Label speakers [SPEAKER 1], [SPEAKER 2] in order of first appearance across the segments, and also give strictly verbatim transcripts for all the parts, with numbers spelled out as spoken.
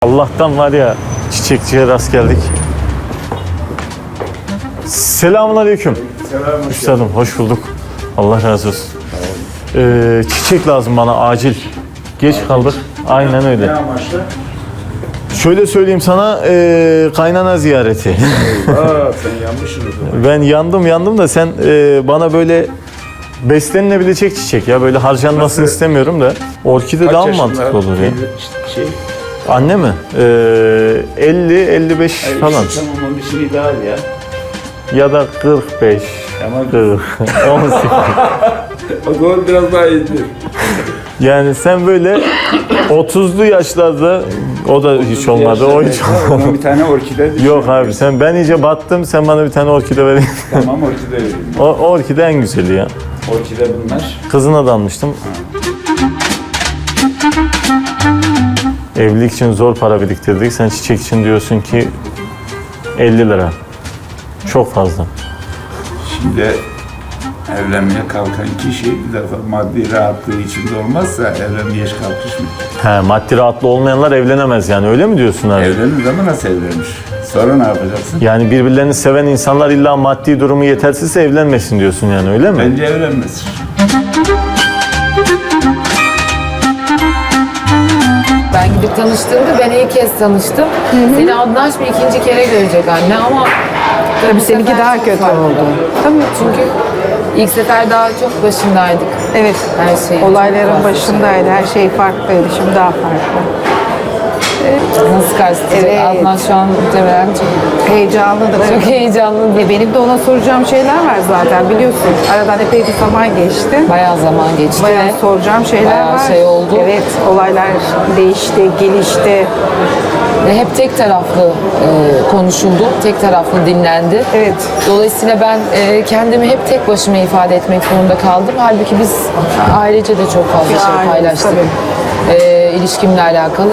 [SPEAKER 1] Allah'tan var ya, çiçekçiye rast geldik. Selamünaleyküm.
[SPEAKER 2] Selam.
[SPEAKER 1] Üstadım hoş bulduk. Allah razı olsun. Ee, çiçek lazım bana acil. Geç kaldık. Aynen öyle.
[SPEAKER 2] Ne amaçlı?
[SPEAKER 1] Şöyle söyleyeyim sana, ee, kaynana ziyareti.
[SPEAKER 2] Aa, sen yanmışsın o zaman.
[SPEAKER 1] Ben yandım yandım da sen ee, bana böyle beslenilebilecek çiçek ya, böyle harcanmasını
[SPEAKER 2] Nasıl?
[SPEAKER 1] istemiyorum da. Orkide
[SPEAKER 2] Kaç
[SPEAKER 1] daha mı
[SPEAKER 2] yaşında?
[SPEAKER 1] mantıklı olur ya?
[SPEAKER 2] İşte Şey,
[SPEAKER 1] Anne mi? Ee, elli elli beş
[SPEAKER 2] hayır,
[SPEAKER 1] falan.
[SPEAKER 2] işte tamam onun için ideal ya.
[SPEAKER 1] Ya da kırk beş.
[SPEAKER 2] Ama
[SPEAKER 1] kırk, on sekiz.
[SPEAKER 2] o zaman biraz daha iyidir.
[SPEAKER 1] Yani sen böyle otuzlu yaşlarda, o da hiç olmadı, o hiç
[SPEAKER 2] Ona
[SPEAKER 1] olmadı.
[SPEAKER 2] bir tane orkide düşün.
[SPEAKER 1] Yok abi, sen ben iyice battım, sen bana bir tane orkide verin.
[SPEAKER 2] Tamam orkide vereyim.
[SPEAKER 1] O orkide en güzeli ya.
[SPEAKER 2] Orkide bunlar.
[SPEAKER 1] Kızına da almıştım. Evlilik için zor para biriktirdik. Sen çiçek için diyorsun ki elli lira. Çok fazla.
[SPEAKER 2] Şimdi evlenmeye kalkan kişi bir defa maddi rahatlığı içinde olmazsa evlenmeye hiç kalkışmıyor.
[SPEAKER 1] He, maddi rahatlı olmayanlar evlenemez yani, öyle mi diyorsun abi?
[SPEAKER 2] Evlenir ama nasıl evlenir? Sonra ne yapacaksın?
[SPEAKER 1] Yani birbirlerini seven insanlar illa maddi durumu yetersizse evlenmesin diyorsun yani, öyle mi?
[SPEAKER 2] Bence evlenmez.
[SPEAKER 3] Ben gidip tanıştığımda ben ilk kez tanıştım. Seni Adnan bir ikinci kere görecek anne ama
[SPEAKER 4] Tabii
[SPEAKER 3] bu
[SPEAKER 4] seninki
[SPEAKER 3] sefer
[SPEAKER 4] daha
[SPEAKER 3] çok
[SPEAKER 4] kötü
[SPEAKER 3] farklı.
[SPEAKER 4] oldu.
[SPEAKER 3] Tabii çünkü ilk sefer daha çok başındaydık.
[SPEAKER 4] Evet,
[SPEAKER 3] Her şey.
[SPEAKER 4] olayların
[SPEAKER 3] çok farklı.
[SPEAKER 4] başındaydı. Her şey farklıydı. Şimdi daha farklı.
[SPEAKER 3] Nasıl karşılayacak?
[SPEAKER 4] Evet.
[SPEAKER 3] Adnan şu an muhtemelen çok,
[SPEAKER 4] Heyecanlıdır.
[SPEAKER 3] çok heyecanlı.
[SPEAKER 4] E, benim de ona soracağım şeyler var zaten biliyorsun. Aradan epey bir zaman geçti.
[SPEAKER 3] Bayağı zaman geçti.
[SPEAKER 4] Bayağı
[SPEAKER 3] ve
[SPEAKER 4] soracağım şeyler
[SPEAKER 3] bayağı
[SPEAKER 4] var.
[SPEAKER 3] şey oldu.
[SPEAKER 4] Evet, olaylar değişti, gelişti.
[SPEAKER 3] Ve hep tek taraflı e, konuşuldu, tek taraflı dinlendi.
[SPEAKER 4] Evet.
[SPEAKER 3] Dolayısıyla ben e, kendimi hep tek başıma ifade etmek zorunda kaldım. Halbuki biz ailece de çok fazla
[SPEAKER 4] Bir
[SPEAKER 3] şey
[SPEAKER 4] aile,
[SPEAKER 3] paylaştık.
[SPEAKER 4] tabii.
[SPEAKER 3] E, ilişkimle alakalı.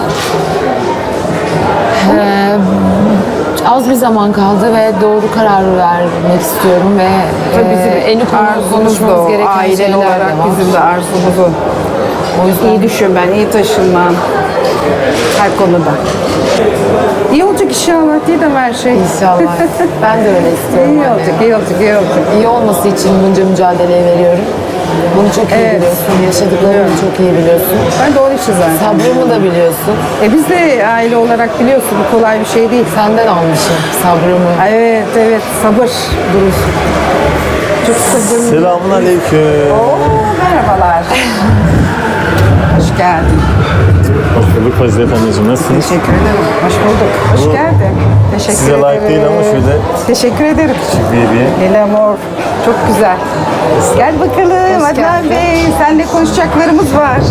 [SPEAKER 3] E, az bir zaman kaldı ve doğru kararı vermek istiyorum ve
[SPEAKER 4] Tabii bizim
[SPEAKER 3] e, en konu
[SPEAKER 4] arzumuz da
[SPEAKER 3] konuşmamız
[SPEAKER 4] o.
[SPEAKER 3] gereken
[SPEAKER 4] Ailen
[SPEAKER 3] şeyler
[SPEAKER 4] olarak
[SPEAKER 3] de var.
[SPEAKER 4] bizim de arzumuz o.
[SPEAKER 3] O yüzden
[SPEAKER 4] İyi düşünmen, iyi taşınman. Her konuda. İyi olacak inşallah diye de her şey.
[SPEAKER 3] İnşallah. Ben de öyle istiyorum.
[SPEAKER 4] İyi
[SPEAKER 3] anne.
[SPEAKER 4] olacak, iyi olacak, iyi olacak.
[SPEAKER 3] İyi olması için bunca mücadeleyi veriyorum. Bunu çok iyi
[SPEAKER 4] Evet.
[SPEAKER 3] biliyorsun. Yaşadıklarımı çok iyi biliyorsun.
[SPEAKER 4] Ben de onun için zaten.
[SPEAKER 3] Sabrımı da biliyorsun.
[SPEAKER 4] E biz de aile olarak biliyorsun bu kolay bir şey değil.
[SPEAKER 3] Senden almışım sabrımı.
[SPEAKER 4] Evet, evet, sabır duruş. Çok sabırlı.
[SPEAKER 1] Selamun aleyküm.
[SPEAKER 4] Oo, merhabalar. Hoş geldin.
[SPEAKER 1] Hoş bulduk Fazilet anneciğim, nasılsınız?
[SPEAKER 4] Teşekkür ederim. Hoş bulduk. Hoş
[SPEAKER 1] Bu
[SPEAKER 4] geldin. Teşekkür
[SPEAKER 1] size
[SPEAKER 4] ederim.
[SPEAKER 1] layık değil ama şöyle
[SPEAKER 4] Teşekkür ederim.
[SPEAKER 1] bir hediye.
[SPEAKER 4] El amor. Çok güzel. Gel bakalım Adnan
[SPEAKER 3] geldin.
[SPEAKER 4] Bey. Seninle konuşacaklarımız var.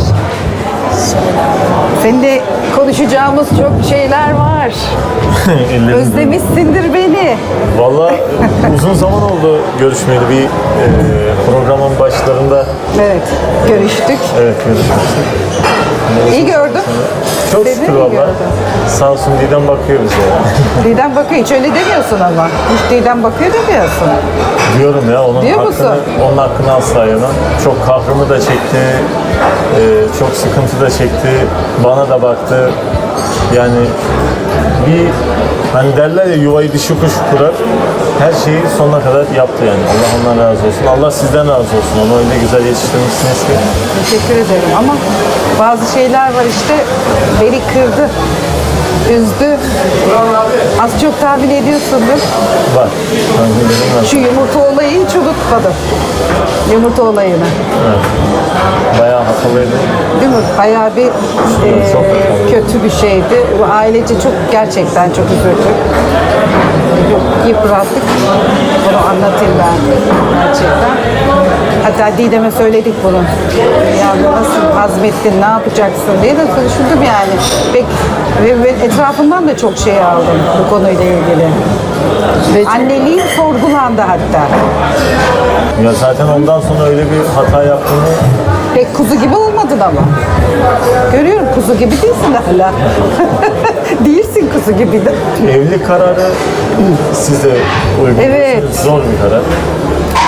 [SPEAKER 4] Seninle konuşacağımız çok şeyler var.
[SPEAKER 1] Ellerim
[SPEAKER 4] Özlemişsindir beni.
[SPEAKER 1] Valla uzun zaman oldu görüşmeyeli, bir e, programın başlarında
[SPEAKER 4] Evet, görüştük.
[SPEAKER 1] evet görüşmüştük.
[SPEAKER 4] İyi gördüm.
[SPEAKER 1] Çok
[SPEAKER 4] Seni
[SPEAKER 1] şükür
[SPEAKER 4] iyi
[SPEAKER 1] valla.
[SPEAKER 4] gördüm.
[SPEAKER 1] Sağ olsun Didem bakıyor bize ya.
[SPEAKER 4] Didem bakıyor. Hiç öyle demiyorsun ama. Hiç Didem bakıyor demiyorsun.
[SPEAKER 1] Diyorum ya, onun
[SPEAKER 4] Diyor
[SPEAKER 1] hakkını,
[SPEAKER 4] musun?
[SPEAKER 1] onun hakkını asla yemem. Çok kahrımı da çekti, e, çok sıkıntı da çekti, bana da baktı. Yani bir, hani derler ya, yuvayı dişi kuş kurar. Her şeyi sonuna kadar yaptı yani. Allah ondan razı olsun. Allah sizden razı olsun. Onu öyle güzel yetiştirmişsiniz ki.
[SPEAKER 4] Teşekkür ederim ama bazı şeyler var işte beni kırdı, üzdü. Az çok tahmin ediyorsundur.
[SPEAKER 1] Var. Tahminlerim var.
[SPEAKER 4] Şu yumurta olayı hiç unutmadım. Yumurta olayını.
[SPEAKER 1] Bayağı hatalıydı.
[SPEAKER 4] Değil mi? Bayağı bir e,
[SPEAKER 1] Çok hatalıydı.
[SPEAKER 4] kötü bir şeydi. Bu ailece çok gerçekten çok üzüldük. Çok yıprattık. Bunu anlatayım ben gerçekten. Hatta Didem'e söyledik bunu. Ya nasıl hazmettin, ne yapacaksın diye de konuşurdum yani. Pek, ve, ve etrafından da çok şey aldım bu konuyla ilgili.
[SPEAKER 3] Ve çok-
[SPEAKER 4] Anneliğim sorgulandı hatta.
[SPEAKER 1] Ya zaten ondan sonra öyle bir hata yaptığını
[SPEAKER 4] Pek kuzu gibi olmadın ama. Görüyorum kuzu gibi değilsin hala. Değilsin kuzu gibi de.
[SPEAKER 1] evlilik kararı size uygun.
[SPEAKER 4] Evet.
[SPEAKER 1] Zor bir karar.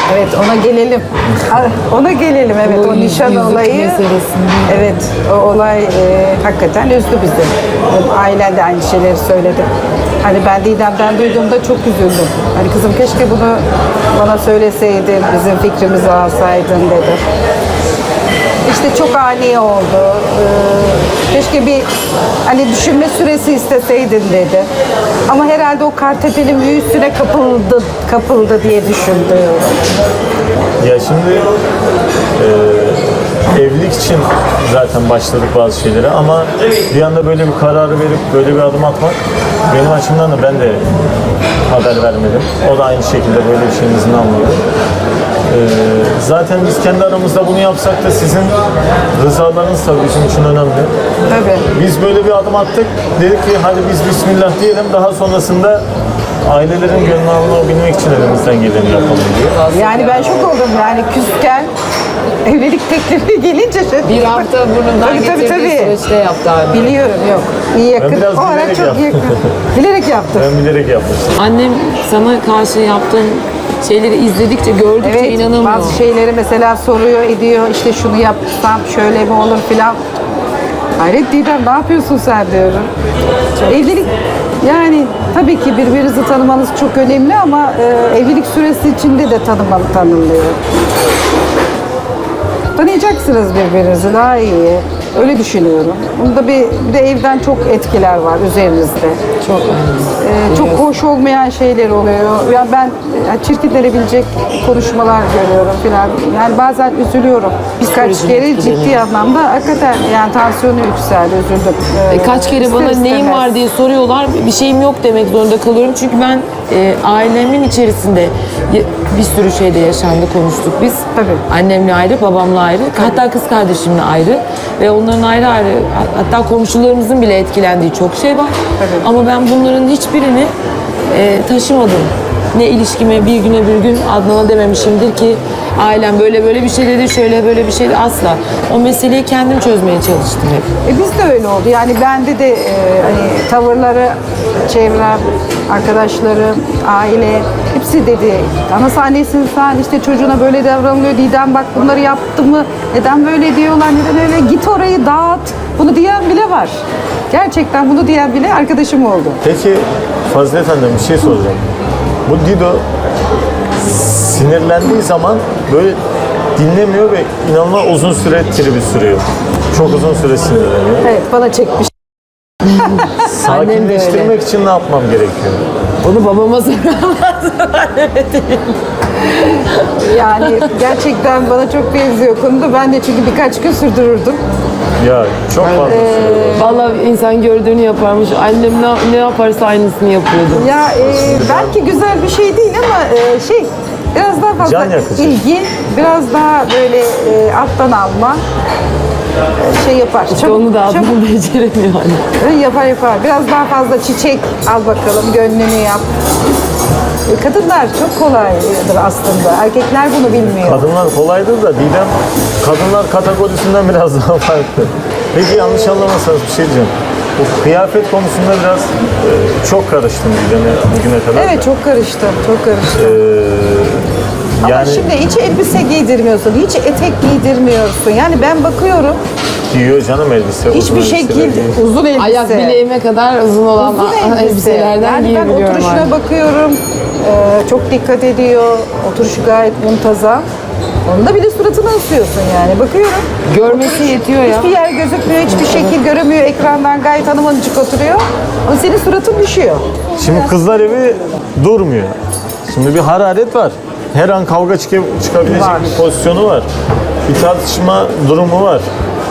[SPEAKER 4] Evet, ona gelelim. Ona gelelim, evet.
[SPEAKER 3] O
[SPEAKER 4] O nişan
[SPEAKER 3] yüzük
[SPEAKER 4] olayı.
[SPEAKER 3] meselesinde.
[SPEAKER 4] Evet, o olay e, hakikaten üzdü bizi. Ailen de aynı şeyleri söyledi. Hani ben Didem'den duyduğumda çok üzüldüm. Hani kızım keşke bunu bana söyleseydin, bizim fikrimizi alsaydın dedi. İşte çok ani oldu. Ee, keşke bir hani düşünme süresi isteseydin dedi. Ama herhalde o Kartepe'nin büyüsüne kapıldı, kapıldı diye düşündü.
[SPEAKER 1] Ya şimdi e, evlilik için zaten başladık bazı şeylere ama bir anda böyle bir kararı verip böyle bir adım atmak benim açımdan da ben de haber vermedim. O da aynı şekilde böyle bir şeyin izni almadı. E, zaten biz kendi aramızda bunu yapsak da sizin rızalarınız tabii bizim için önemli.
[SPEAKER 4] Tabii.
[SPEAKER 1] Biz böyle bir adım attık. Dedik ki hadi biz Bismillah diyelim. Daha sonrasında ailelerin gönlünü alabilmek için elimizden geleni yapalım diye.
[SPEAKER 4] Yani ben şok oldum yani küsken evlilik teklifi gelince şöyle.
[SPEAKER 3] Bir hafta burnundan
[SPEAKER 4] Tabii, tabii,
[SPEAKER 3] getirdiği
[SPEAKER 4] tabii.
[SPEAKER 3] süreçte yaptı abi.
[SPEAKER 4] Biliyorum yok. İyi yakın.
[SPEAKER 1] biraz
[SPEAKER 4] O ara
[SPEAKER 1] bilerek
[SPEAKER 4] çok
[SPEAKER 1] yaptım.
[SPEAKER 4] yakın. Bilerek yaptı.
[SPEAKER 1] Ben bilerek yapmıştım.
[SPEAKER 3] Annem sana karşı yaptığın şeyleri izledikçe, gördükçe
[SPEAKER 4] Evet,
[SPEAKER 3] inanamıyor.
[SPEAKER 4] bazı şeyleri mesela soruyor, ediyor, işte şunu yapsam şöyle mi olur filan. Hayret Didem, ne yapıyorsun sen diyorum. Evlilik, yani tabii ki birbirinizi tanımanız çok önemli ama e, evlilik süresi içinde de tanımalı, tanınıyor. Tanıyacaksınız birbirinizi daha iyi. Öyle düşünüyorum. Bunda bir, bir de evden çok etkiler var üzerinizde.
[SPEAKER 3] Çok
[SPEAKER 4] Ee, çok hoş olmayan şeyler oluyor. Ya ben e, çirkinlenebilecek konuşmalar görüyorum filan. Yani bazen üzülüyorum. Birkaç
[SPEAKER 3] Psikolojim
[SPEAKER 4] kere
[SPEAKER 3] etkileniyor.
[SPEAKER 4] ciddi anlamda hakikaten yani tansiyonu yükseldi, üzüldüm. Ee,
[SPEAKER 3] E, Kaç kere
[SPEAKER 4] ister
[SPEAKER 3] bana neyin
[SPEAKER 4] istemez.
[SPEAKER 3] var diye soruyorlar. Bir şeyim yok demek zorunda kalıyorum. Çünkü ben e, ailemin içerisinde y- bir sürü şeyde yaşandı, konuştuk biz.
[SPEAKER 4] Tabii.
[SPEAKER 3] Annemle ayrı, babamla ayrı. Hatta kız kardeşimle ayrı. Ve onların ayrı ayrı, hatta komşularımızın bile etkilendiği çok şey var.
[SPEAKER 4] Tabii.
[SPEAKER 3] Ama ben bunların hiçbirini e, taşımadım. Ne ilişkime bir güne bir gün Adnan'a dememişimdir ki ailem böyle böyle bir şey dedi, şöyle böyle bir şey dedi, asla. O meseleyi kendim çözmeye çalıştım hep.
[SPEAKER 4] E biz de öyle oldu. Yani bende de e, hani tavırları, çevrem, arkadaşlarım, aile hepsi dedi. Ana sahnesin sen işte çocuğuna böyle davranılıyor. Didem bak bunları yaptı mı? Neden böyle diyorlar? Neden öyle? Git orayı dağıt. Bunu diyen bile var. Gerçekten bunu diyen bile arkadaşım oldu.
[SPEAKER 1] Peki Fazilet Hanım bir şey soracağım. Bu Dido sinirlendiği zaman böyle dinlemiyor ve inanılmaz uzun süre tribi sürüyor. Çok uzun süre sinirleniyor.
[SPEAKER 4] Evet bana çekmiş.
[SPEAKER 1] Sakinleştirmek için ne yapmam gerekiyor?
[SPEAKER 3] Onu babama soramaz.
[SPEAKER 4] Yani gerçekten bana çok benziyor konuda. Ben de çünkü birkaç gün sürdürürdüm.
[SPEAKER 1] Ya çok fazla sürüyor.
[SPEAKER 3] Vallahi insan gördüğünü yaparmış. Annem ne, ne yaparsa aynısını yapıyordu.
[SPEAKER 4] Ya e, belki güzel bir şey değil ama e, şey biraz daha fazla
[SPEAKER 1] Can yakıcı.
[SPEAKER 4] ilgi, biraz daha böyle e, alttan alma e, şey yapar.
[SPEAKER 3] İşte onu da Adnan beceremiyor hani.
[SPEAKER 4] çabuk yapar yapar. Biraz daha fazla çiçek al bakalım, gönlünü yap. E, kadınlar çok kolaydır aslında. Erkekler bunu bilmiyor.
[SPEAKER 1] Kadınlar kolaydır da Didem kadınlar kategorisinden biraz daha farklı. Peki yanlış anlamazsanız bir şey diyeceğim. Bu kıyafet konusunda biraz e, çok karıştım Didem'e bugüne kadar.
[SPEAKER 4] Evet
[SPEAKER 1] da.
[SPEAKER 4] çok karıştı, çok karıştı.
[SPEAKER 1] Ee,
[SPEAKER 4] Ama
[SPEAKER 1] yani
[SPEAKER 4] şimdi hiç elbise giydirmiyorsun, hiç etek giydirmiyorsun. Yani ben bakıyorum
[SPEAKER 1] giyiyor canım elbise. uzun
[SPEAKER 4] hiçbir
[SPEAKER 1] elbiseler
[SPEAKER 4] şekil
[SPEAKER 1] giyiyor.
[SPEAKER 4] uzun elbise.
[SPEAKER 3] Ayak bileğime kadar uzun olan
[SPEAKER 4] Uzun elbise.
[SPEAKER 3] elbiselerden
[SPEAKER 4] Yani ben
[SPEAKER 3] giyebiliyorum
[SPEAKER 4] oturuşuna
[SPEAKER 3] artık.
[SPEAKER 4] bakıyorum. Ee, çok dikkat ediyor. Oturuşu gayet muntazam. Onda bile suratını asıyorsun yani. Bakıyorum.
[SPEAKER 3] Görmesi yetiyor ya.
[SPEAKER 4] Hiçbir yer gözükmüyor, hiçbir şekil göremiyor. Ekrandan gayet hanımcık oturuyor. Ama senin suratın düşüyor.
[SPEAKER 1] Şimdi kızlar evi durmuyor. Şimdi bir hararet var. Her an kavga çık- çıkabilecek
[SPEAKER 4] Var.
[SPEAKER 1] bir pozisyonu var. Bir tartışma durumu var.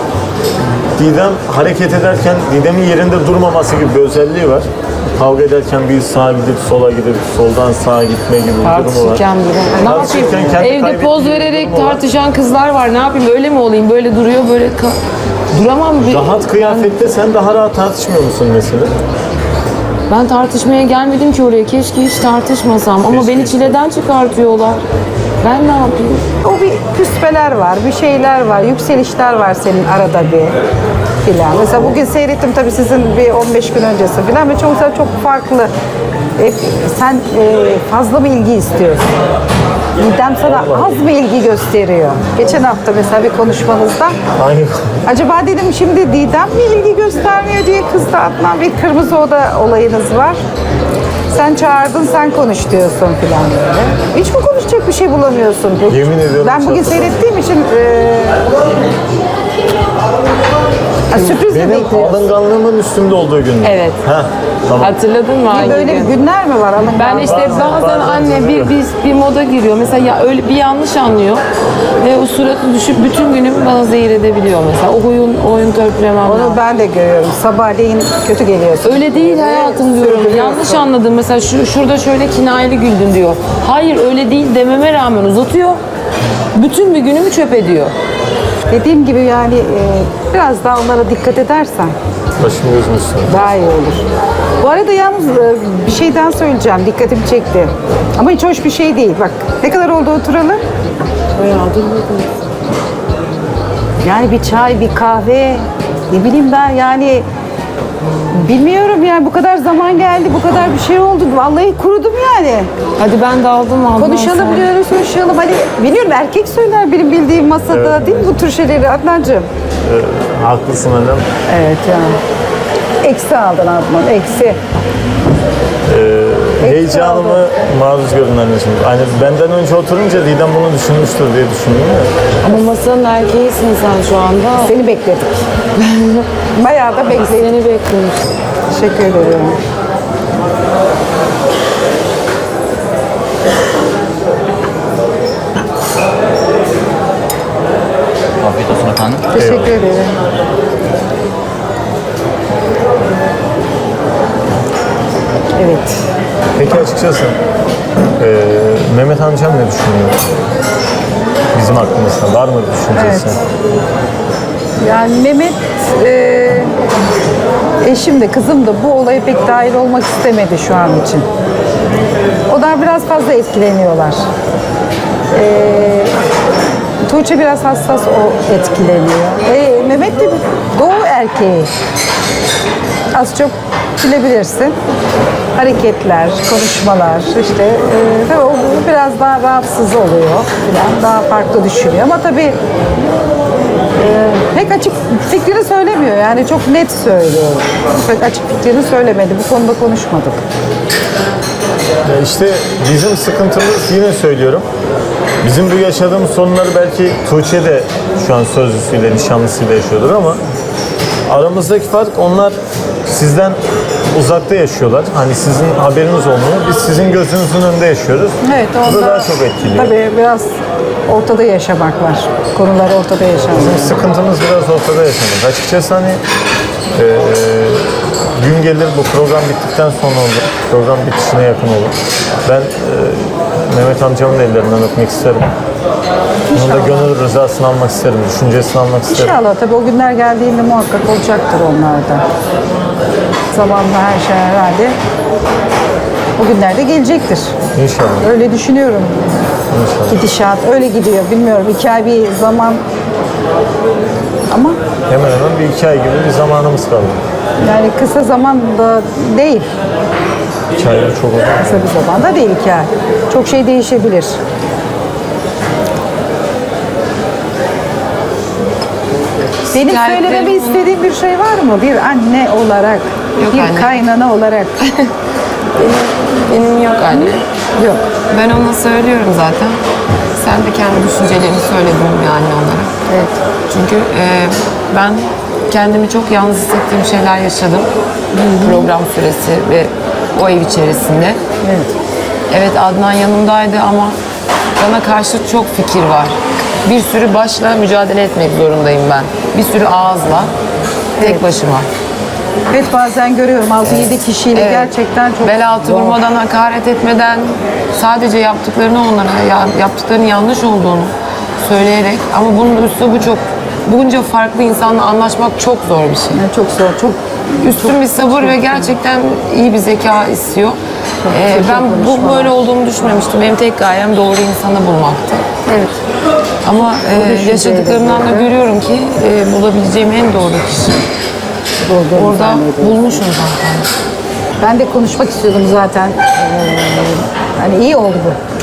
[SPEAKER 1] Didem hareket ederken Didem'in yerinde durmaması gibi bir özelliği var. Kavga ederken bir sağa gidip sola gidip soldan sağa gitme gibi bir durumu var.
[SPEAKER 3] Tartışırken durum. Ne
[SPEAKER 1] Tartışırken
[SPEAKER 3] yapayım?
[SPEAKER 1] kendi
[SPEAKER 3] Evde
[SPEAKER 1] kaybettiği
[SPEAKER 3] poz
[SPEAKER 1] bir
[SPEAKER 3] vererek
[SPEAKER 1] durumu var.
[SPEAKER 3] tartışan kızlar var. Ne yapayım? Öyle mi olayım? Böyle duruyor, böyle ka- duramam. Bir-
[SPEAKER 1] Rahat kıyafette sen daha rahat tartışmıyor musun mesela?
[SPEAKER 3] Ben tartışmaya gelmedim ki oraya. Keşke hiç tartışmasam. Ama
[SPEAKER 1] Keşke
[SPEAKER 3] beni
[SPEAKER 1] hiç
[SPEAKER 3] çileden çıkartıyorlar. Ben ne yapayım?
[SPEAKER 4] O bir küspeler var, bir şeyler var, yükselişler var senin arada bir filan. Mesela bugün seyrettim tabii sizin bir on beş gün öncesi filan ve çok çok farklı. E, sen e, fazla mı ilgi istiyorsun? Didem sana az mı ilgi gösteriyor? Geçen hafta mesela bir konuşmanızda
[SPEAKER 1] Aynı.
[SPEAKER 4] acaba dedim şimdi Didem mi ilgi göstermiyor diye kızdı Adnan. Bir kırmızı oda olayınız var. Sen çağırdın, sen konuş diyorsun filan böyle. Hiç mi konuşacak bir şey bulamıyorsun?
[SPEAKER 1] Yemin ediyorum
[SPEAKER 4] Ben bugün
[SPEAKER 1] çok
[SPEAKER 4] seyrettiğim için e, ha, sürpriz mi
[SPEAKER 1] Benim
[SPEAKER 4] bekliyorsun?
[SPEAKER 1] alınganlığımın üstümde olduğu gün.
[SPEAKER 3] Evet.
[SPEAKER 1] Heh, tamam.
[SPEAKER 3] Hatırladın mı hangi
[SPEAKER 4] Böyle
[SPEAKER 3] gün?
[SPEAKER 4] günler mi var? Alın
[SPEAKER 3] Ben işte
[SPEAKER 1] Bazen-
[SPEAKER 3] bazen
[SPEAKER 1] bazen
[SPEAKER 3] anne bir,
[SPEAKER 1] oluyor.
[SPEAKER 3] bir, bir moda giriyor. Mesela ya öyle bir yanlış anlıyor ve o suratı düşüp bütün günümü bana zehir edebiliyor mesela. O oyun, oyun törpülemem
[SPEAKER 4] Onu
[SPEAKER 3] lazım.
[SPEAKER 4] ben de görüyorum. Sabahleyin kötü geliyorsun.
[SPEAKER 3] Öyle değil hayatım diyorum.
[SPEAKER 4] Sürdürüyorsun.
[SPEAKER 3] Yanlış anladın. Mesela şu, şurada şöyle kinayeli güldün diyor. Hayır öyle değil dememe rağmen uzatıyor. Bütün bir günümü çöp ediyor.
[SPEAKER 4] Dediğim gibi yani e, biraz daha onlara dikkat edersen
[SPEAKER 1] Başım gözüm üstüne.
[SPEAKER 4] daha iyi olur. Bu arada yalnız e, bir şeyden söyleyeceğim. Dikkatimi çekti. Ama hiç hoş bir şey değil. Bak ne kadar oldu oturalı? Yani bir çay, bir kahve, ne bileyim ben yani bilmiyorum yani bu kadar zaman geldi, bu kadar bir şey oldu. Vallahi kurudum yani.
[SPEAKER 3] Hadi ben daldım Adnan
[SPEAKER 4] Konuşalım
[SPEAKER 3] sen.
[SPEAKER 4] diyoruz, konuşalım. Hani biliyorum erkek söyler benim bildiğim masada değil mi bu tür şeyleri Adnancığım?
[SPEAKER 1] Ee, haklısın annem.
[SPEAKER 4] Evet yani. Eksi aldın Adnan, eksi.
[SPEAKER 1] Heyecanımı maruz görün anneciğim. Hani benden önce oturunca Didem bunu düşünmüştür diye düşündüm ya.
[SPEAKER 3] Ama masanın erkeğisin sen şu anda.
[SPEAKER 4] Seni bekledik. Bayağı da bekledik.
[SPEAKER 3] Seni bekliyoruz.
[SPEAKER 4] Teşekkür ederim.
[SPEAKER 5] Afiyet olsun efendim.
[SPEAKER 4] Teşekkür ederim. Evet.
[SPEAKER 1] Peki açıkçası ee, Mehmet amcam ne düşünüyor? Bizim hakkımızda var mı bir düşüncesi?
[SPEAKER 4] Evet. Yani Mehmet e, eşim de kızım da bu olaya pek dahil olmak istemedi şu an için. Onlar biraz fazla etkileniyorlar. E, Tuğçe biraz hassas o etkileniyor. E, Mehmet de bir doğu erkeği. Az çok bilebilirsin. Hareketler, konuşmalar işte e, tabii o biraz daha rahatsız oluyor falan, daha farklı düşünüyor ama tabii e, pek açık fikrini söylemiyor yani çok net söylüyor. Pek açık fikrini söylemedi. Bu konuda konuşmadık.
[SPEAKER 1] Ya işte bizim sıkıntımız yine söylüyorum. Bizim bu yaşadığımız sorunları belki Tuğçe de şu an sözlüsüyle, nişanlısıyla yaşıyordur ama aramızdaki fark onlar sizden uzakta yaşıyorlar. Hani sizin haberiniz olmuyor. Biz sizin gözünüzün önünde yaşıyoruz.
[SPEAKER 4] Evet,
[SPEAKER 1] Bu da
[SPEAKER 4] onda
[SPEAKER 1] daha çok etkiliyor.
[SPEAKER 4] tabii biraz ortada yaşamak var. Konular ortada yaşamak.
[SPEAKER 1] Bizim sıkıntımız biraz ortada yaşamak. Açıkçası hani eee, gün gelir bu program bittikten sonra olur. Program bitişine yakın olur. Ben eee, Mehmet amcamın ellerinden öpmek isterim. Onun da gönül rızasını almak isterim, düşüncesini almak isterim.
[SPEAKER 4] İnşallah tabii o günler geldiğinde muhakkak olacaktır onlarda. Zamanla her şey herhalde o günlerde gelecektir.
[SPEAKER 1] İnşallah.
[SPEAKER 4] Öyle düşünüyorum.
[SPEAKER 1] İnşallah.
[SPEAKER 4] Gidişat öyle gidiyor. Bilmiyorum iki ay bir zaman ama
[SPEAKER 1] Hemen hemen bir iki ay gibi bir zamanımız kaldı.
[SPEAKER 4] yani kısa zaman da değil.
[SPEAKER 1] İki ay çok uzun.
[SPEAKER 4] Kısa bir zaman da değil iki ay. Çok şey değişebilir. Benim
[SPEAKER 3] Şikayetlerim-
[SPEAKER 4] söylememi istediğin bir şey var mı? Bir anne olarak,
[SPEAKER 3] Yok
[SPEAKER 4] bir
[SPEAKER 3] anne.
[SPEAKER 4] kaynana olarak.
[SPEAKER 3] Benim yok anne.
[SPEAKER 4] Yok.
[SPEAKER 3] Ben ona söylüyorum zaten. Sen de kendi düşüncelerini söyledin bir anne olarak.
[SPEAKER 4] Evet.
[SPEAKER 3] Çünkü e, ben kendimi çok yalnız hissettiğim şeyler yaşadım. Program süresi ve o ev içerisinde.
[SPEAKER 4] Evet.
[SPEAKER 3] Evet Adnan yanımdaydı ama bana karşı çok fikir var. Bir sürü başla mücadele etmek zorundayım ben. Bir sürü ağızla, tek
[SPEAKER 4] Evet.
[SPEAKER 3] başıma.
[SPEAKER 4] Evet bazen görüyorum altı yedi kişiyle
[SPEAKER 3] Evet.
[SPEAKER 4] gerçekten çok
[SPEAKER 3] Bel altı
[SPEAKER 4] zor.
[SPEAKER 3] vurmadan, hakaret etmeden sadece yaptıklarını onlara, ya, yaptıklarının yanlış olduğunu söyleyerek ama bunun üslubu çok, bunca farklı insanla anlaşmak çok zor bir şey.
[SPEAKER 4] Yani çok zor, çok
[SPEAKER 3] Üstün bir sabır ve gerçekten iyi bir zeka istiyor. Ee,
[SPEAKER 4] çok
[SPEAKER 3] ben bu
[SPEAKER 4] konuşmalar.
[SPEAKER 3] böyle olduğumu düşünmemiştim. Benim tek gayem doğru insanı bulmaktı.
[SPEAKER 4] evet.
[SPEAKER 3] Ama e,
[SPEAKER 4] düşünceyle
[SPEAKER 3] yaşadıklarımdan da
[SPEAKER 4] birlikte.
[SPEAKER 3] görüyorum ki e, bulabileceğim en doğru kişi.
[SPEAKER 4] Olduğunu
[SPEAKER 3] Orada
[SPEAKER 4] zannediyorum.
[SPEAKER 3] bulmuşum zaten.
[SPEAKER 4] Ben de konuşmak istiyordum zaten. Ee, hani iyi oldu bu.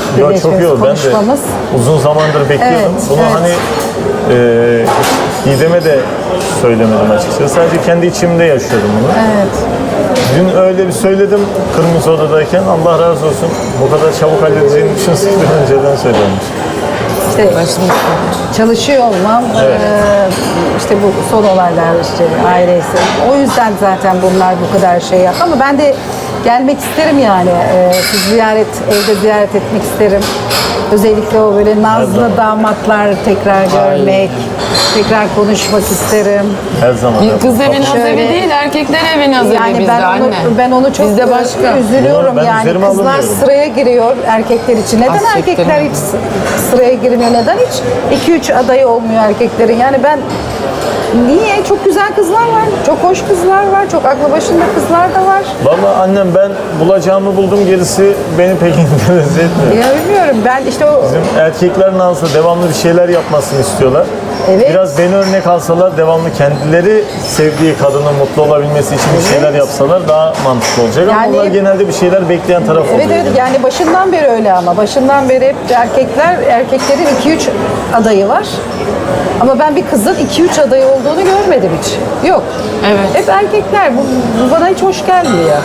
[SPEAKER 1] Yo, çok
[SPEAKER 4] birleşmemiz,
[SPEAKER 1] iyi oldu. Ben de
[SPEAKER 4] konuşmamız.
[SPEAKER 1] uzun zamandır bekliyordum.
[SPEAKER 4] Evet,
[SPEAKER 1] Bunu
[SPEAKER 4] evet.
[SPEAKER 1] hani e, Didem'e de söylemedim açıkçası. Sadece kendi içimde yaşıyordum bunu.
[SPEAKER 4] Evet.
[SPEAKER 1] Dün öyle bir söyledim Kırmızı Oda'dayken. Allah razı olsun. Bu kadar çabuk halledeceğini düşünseydim önceden söylemiş.
[SPEAKER 4] İşte çalışıyor olmam, eee, işte bu son olaylar, işte ailesi. O yüzden zaten bunlar bu kadar şey yaptı. Ama ben de gelmek isterim yani. Eee siz ziyaret, evde ziyaret etmek isterim. Özellikle o böyle nazlı damatlar tekrar görmek, tekrar konuşmak isterim.
[SPEAKER 1] Her zaman.
[SPEAKER 3] Bir kız evi naz
[SPEAKER 4] Şöyle-
[SPEAKER 3] evi değil, erkekler evi naz evi
[SPEAKER 4] Yani
[SPEAKER 3] bizde
[SPEAKER 4] ben onu,
[SPEAKER 3] anne.
[SPEAKER 4] ben onu çok
[SPEAKER 3] Bizde başka.
[SPEAKER 4] üzülüyorum
[SPEAKER 1] Bunu ben
[SPEAKER 4] yani.
[SPEAKER 1] üzerime
[SPEAKER 4] Kızlar
[SPEAKER 1] alınmıyorum.
[SPEAKER 4] sıraya giriyor erkekler için. Neden
[SPEAKER 3] Az siktir.
[SPEAKER 4] erkekler hiç sı- sıraya girmiyor? Neden hiç iki üç adayı olmuyor erkeklerin? Yani ben niye? Çok güzel kızlar var. Çok hoş kızlar var. Çok aklı başında kızlar da var.
[SPEAKER 1] Vallahi annem ben bulacağımı buldum, gerisi beni pek interese etmiyor.
[SPEAKER 4] Ya bilmiyorum. Ben işte o
[SPEAKER 1] Bizim erkekler nazlı, devamlı bir şeyler yapmasını istiyorlar.
[SPEAKER 4] Evet.
[SPEAKER 1] Biraz beni örnek alsalar, devamlı kendileri sevdiği kadının mutlu olabilmesi için bir şeyler yapsalar daha mantıklı olacak. Ama
[SPEAKER 4] Yani-
[SPEAKER 1] onlar genelde bir şeyler bekleyen taraf oluyor.
[SPEAKER 4] Evet evet yani başından beri öyle ama başından beri hep erkekler erkeklerin iki üç adayı var. Ama ben bir kızın iki üç adayı olduğunu görmedim hiç. Yok.
[SPEAKER 3] Evet.
[SPEAKER 4] Hep erkekler. Bu, bu bana hiç hoş gelmiyor.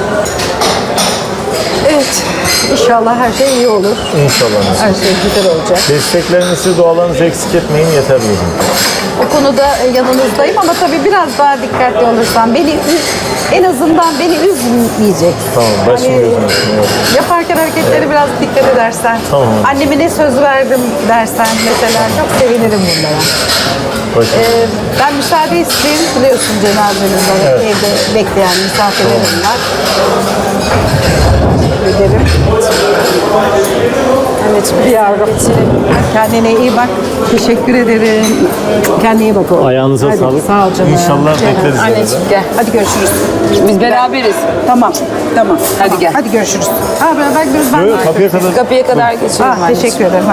[SPEAKER 4] Evet. İnşallah her şey iyi olur.
[SPEAKER 1] İnşallah.
[SPEAKER 4] Her şey güzel olacak.
[SPEAKER 1] Desteklerinizi, dualarınızı eksik etmeyin, yeter bizim.
[SPEAKER 4] O konuda e, yanınızdayım ama tabii biraz daha dikkatli olursam beni üz- en azından beni üzmeyecek.
[SPEAKER 1] Tamam, başım
[SPEAKER 4] Hani
[SPEAKER 1] gözüm üstüne yok.
[SPEAKER 4] yaparken hareketlere biraz dikkat edersen.
[SPEAKER 1] Tamam.
[SPEAKER 4] Anneme ne söz verdim dersen mesela çok sevinirim bunlara.
[SPEAKER 1] Başım.
[SPEAKER 4] Ee, ben müsaade isteyeyim. Biliyorsun cenazemiz var.
[SPEAKER 1] Evet.
[SPEAKER 4] Evde bekleyen misafirlerim var. Teşekkür ederim. Evet yavrum. Kendine iyi bak. Teşekkür ederim. Kendine iyi bak oğlum.
[SPEAKER 1] Ayağınıza
[SPEAKER 4] Hadi,
[SPEAKER 1] sağlık.
[SPEAKER 4] Sağ ol canım.
[SPEAKER 1] İnşallah
[SPEAKER 4] Canım.
[SPEAKER 1] bekleriz.
[SPEAKER 3] Anneciğim gel.
[SPEAKER 4] Hadi görüşürüz.
[SPEAKER 3] Biz beraberiz.
[SPEAKER 4] Tamam. Tamam.
[SPEAKER 3] Hadi
[SPEAKER 4] tamam.
[SPEAKER 3] gel.
[SPEAKER 4] Hadi görüşürüz. Ha beraber gidiyoruz. Ben
[SPEAKER 1] Yok,
[SPEAKER 4] de
[SPEAKER 1] kapıya kadar.
[SPEAKER 3] Kapıya kadar geçelim
[SPEAKER 4] Ha,
[SPEAKER 3] anneciğim.
[SPEAKER 4] teşekkür ederim.